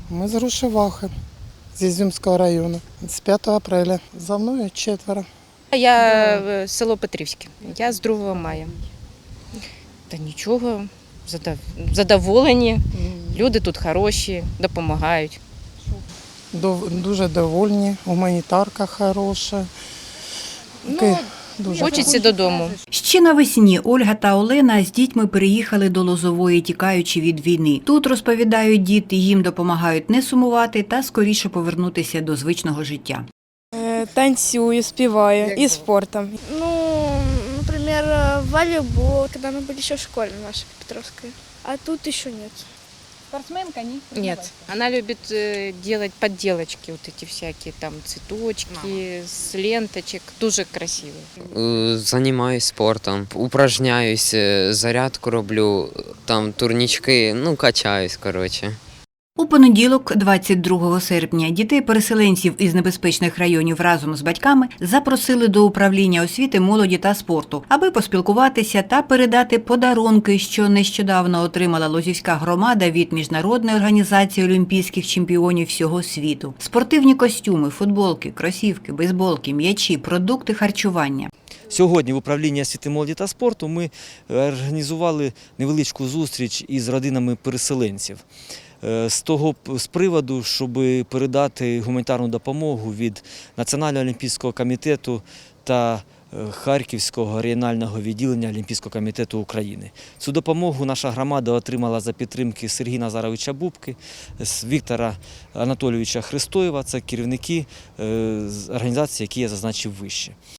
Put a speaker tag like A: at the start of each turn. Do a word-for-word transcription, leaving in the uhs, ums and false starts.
A: Ми з Грушевахи, з Ізюмського району, з п'ятого апреля. За мною четверо.
B: Я в село Петрівське, я з другого мая. Та нічого, задоволені, люди тут хороші, допомагають.
A: Дуже довольні, гуманітарка хороша.
B: Ну,
A: Дуже
B: хочеться додому.
C: Ще навесні Ольга та Олена з дітьми переїхали до Лозової, тікаючи від війни. Тут, розповідають діти, їм допомагають не сумувати та скоріше повернутися до звичного життя.
D: Танцюю, співаю і спортом.
E: Ну, например, волейбол, когда мы были еще в школе нашей Петровской. А тут еще нет.
D: Спортсменка, ні?
B: Нет, она любит э, делать подделочки, вот эти всякие там цветочки, с ленточек, дуже красиво.
F: Займаюсь спортом, упражняюсь, зарядку роблю, там турнічки, ну качаюсь, коротше.
C: У понеділок, двадцять другого серпня, дітей-переселенців із небезпечних районів разом з батьками запросили до управління освіти, молоді та спорту, аби поспілкуватися та передати подарунки, що нещодавно отримала Лозівська громада від Міжнародної організації олімпійських чемпіонів всього світу. Спортивні костюми, футболки, кросівки, бейсболки, м'ячі, продукти харчування.
G: Сьогодні в управлінні освіти, молоді та спорту ми організували невеличку зустріч із родинами переселенців. З того з приводу, щоб передати гуманітарну допомогу від Національного олімпійського комітету та Харківського регіонального відділення Олімпійського комітету України. Цю допомогу наша громада отримала за підтримки Сергія Назаровича Бубки, Віктора Анатолійовича Христоєва, це керівники організації, які я зазначив вище.